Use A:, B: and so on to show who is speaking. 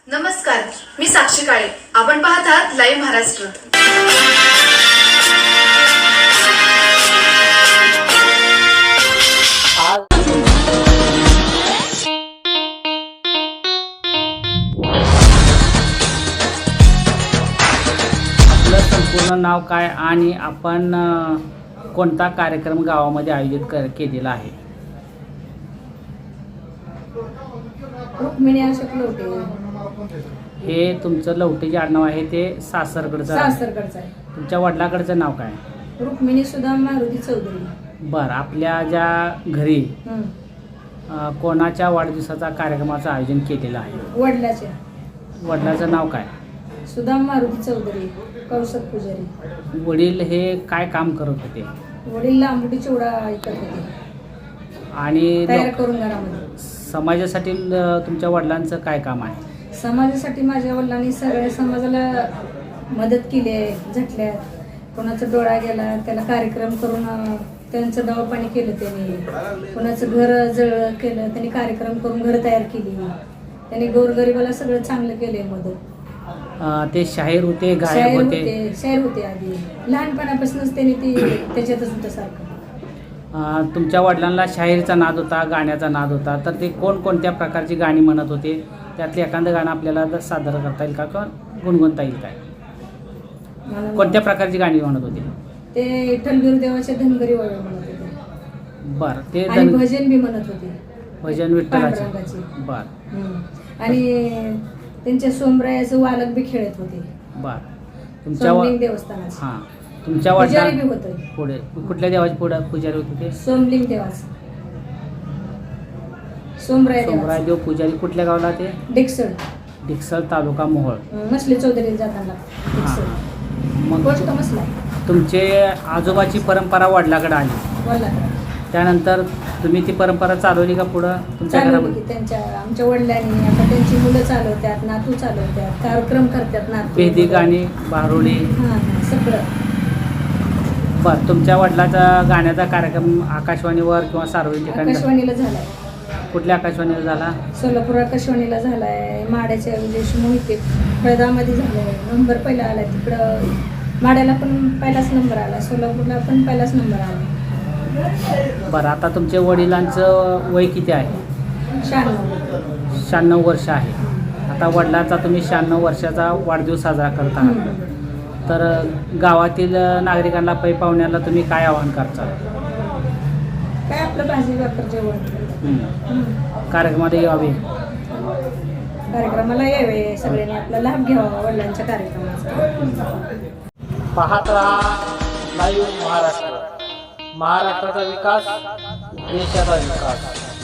A: नमस्कार, मी साक्षी काळे. आपण पाहत आहात लाईव्ह महाराष्ट्र.
B: आपलं संपूर्ण नाव काय आणि आपण कोणता कार्यक्रम गावामध्ये आयोजित केलेला आहे?
C: रुक्मिणी अशोक लवटे.
B: हे तुमचं लवटे जे आडनाव आहे ते सासरकडचं
C: आहे.
B: तुमच्या वडिलाकडचं नाव काय?
C: रुक्मिणी सुदाम मारुती चौधरी.
B: बरं, आपल्या ज्या घरी कोणाच्या वाढदिवसाचा कार्यक्रमाचं आयोजन केलेलं आहे? वडिलाचं नाव काय?
C: सुदाम मारुती चौधरी, कौशक पुजारी.
B: वडील हे काय काम करत होते?
C: वडील लांबुटी चिवडा ऐकत होते
B: आणि
C: तयार करून घरामध्ये.
B: समाजासाठी तुमच्या वडिलांचं काय काम आहे?
C: समाजासाठी माझ्या वडिलांनी सगळ्या समाजाला मदत केली आहे. झटल्यात, कोणाचा डोळा गेला त्याला कार्यक्रम करून त्यांचं दवापाणी केलं त्यांनी. कोणाचं घर जळ केलं त्यांनी, कार्यक्रम करून घर तयार केली त्यांनी. गोरगरिबाला सगळं चांगलं केलंय मदत.
B: ते शाहीर होते, गायक होते?
C: शाहीर होते आधी. लहानपणापासूनच त्यांनी त्याच्यातच होतं सारखं.
B: तुमच्या वडिलांना शाहीरचा नाद होता, गाण्याचा नाद होता, तर ते कोणकोणत्या प्रकारची गाणी म्हणत होते? त्यातले एखादं गाणं आपल्याला सादर करता येईल का किंवा गुणगुणता येईल काय? कोणत्या प्रकारची गाणी म्हणत होते
C: ते? विठ्ठल देवाचे धनगरी वळ म्हणत होते.
B: बर, ते
C: भजन बी म्हणत होते.
B: भजन विठ्ठलाचे. बर.
C: आणि त्यांच्या सोमरायाचं वालक बी खेळत होते.
B: बर.
C: तुमच्या देवस्थानात.
B: हां, तुमच्या
C: वडिलांनी होतं.
B: पुढे कुठल्या देवाचे पुढे पुजारी होते ते?
C: सोमलिंग देवाचं. सोमराय
B: देव पुजारी. कुठल्या गावाला ते? डिक्सळ तालुका मोहोळ.
C: मसले चौधरी जाताना.
B: मग तुमचे आजोबाची परंपरा वडिलाकडे आली, त्यानंतर तुम्ही ती परंपरा चालवली का पुढं तुमच्या घरामध्ये?
C: आमच्या वडिलांनी आता त्यांची मुलं चालवतात, नातू चालवतात, कार्यक्रम करतात नातू.
B: भेदी गाणी, बारुडी
C: सगळं.
B: बरं, तुमच्या वडिलाचा गाण्याचा कार्यक्रम आकाशवाणीवर किंवा सार्वजनिक ठिकाणी?
C: आकाशवाणीला झालाय.
B: कुठल्या आकाशवाणीला झाला?
C: सोलापूर आकाशवाणीला झालाय. माड्याच्या मोहिते फळदामध्ये झालाय. नंबर पहिला आलाय तिकडं. माड्याला पण पहिलाच नंबर आला, सोलापूरला पण पहिलाच नंबर आला.
B: बरं, आता तुमच्या वडिलांचं वय किती आहे? 96 वर्ष आहे. आता वडिलांचा तुम्ही 96 वर्षाचा वाढदिवस साजरा करत आहात, तर गावातील नागरिकांना पै पाहुण्याला तुम्ही काय आवाहन करता?
C: काय आपलं भाजी भाकर जेवण.
B: कार्यक्रमाला यावे,
C: कार्यक्रमाला यावे सगळ्यांनी, आपला लाभ घ्यावा वडिलांच्या कार्यक्रमाचा.
B: पाहत राहा लाईव्ह महाराष्ट्र. महाराष्ट्राचा विकास, देशाचा विकास.